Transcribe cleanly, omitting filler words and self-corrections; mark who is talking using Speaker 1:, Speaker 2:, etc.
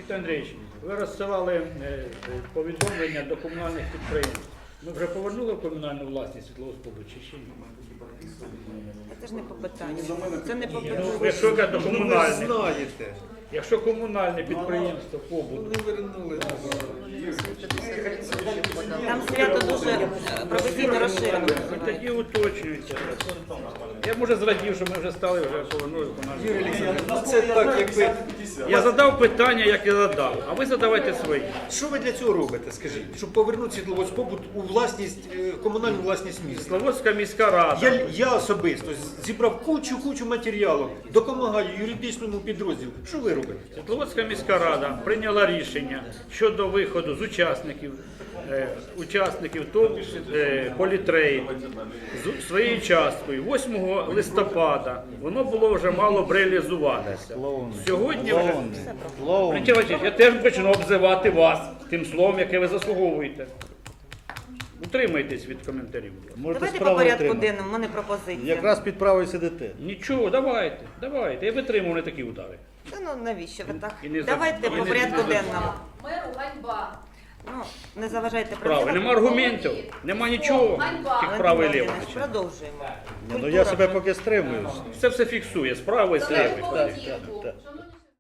Speaker 1: Віктор Андрійович, ви розсилали повідомлення до комунальних підприємств. Ми вже повернули в комунальну власність світловодспобут чи ще ні?
Speaker 2: Це ж не по питанню. Це не по питанню.
Speaker 1: Якщо до комунальних,
Speaker 3: знаєте.
Speaker 1: якщо комунальне підприємство побут,
Speaker 2: Там свято дуже професійно розширено.
Speaker 1: тоді уточнюється. Я може зрадів, що ми вже стали, вже повернули в комунальну власність.
Speaker 3: Це так, якби.
Speaker 1: Я задав питання, як я задав, а ви задавайте свої.
Speaker 3: Що ви для цього робите, скажіть? Щоб повернути світловодспобут у власність, комунальну власність міста.
Speaker 1: Світловодська міська рада.
Speaker 3: Я особисто зібрав кучу матеріалу, допомагаю юридичному підрозділу. Що ви робите?
Speaker 1: Світловодська міська рада прийняла рішення щодо виходу з учасників ТОВ Політрейд з своєю часткою 8 листопада. Воно було вже мало б реалізуватися. Сьогодні вже... Валентин Васильович, я теж почну обзивати вас тим словом, яке ви заслуговуєте. Утримайтесь від коментарів.
Speaker 2: Давайте по порядку денному, в мене пропозиція.
Speaker 4: Якраз під правою сидите.
Speaker 1: Нічого, давайте. Я витримую не такі удари.
Speaker 2: Та ну навіщо ви так?
Speaker 1: І не
Speaker 2: Давайте по порядку денному.
Speaker 5: Меру ганьба.
Speaker 2: Ну, не заважайте
Speaker 1: Право, нема аргументів, нема нічого. Тільки право і ліво.
Speaker 2: Продовжуємо.
Speaker 4: Ну я себе поки стримую.
Speaker 1: Це все фіксує, справа і
Speaker 5: Шановні
Speaker 1: зліва.
Speaker 5: поведінку.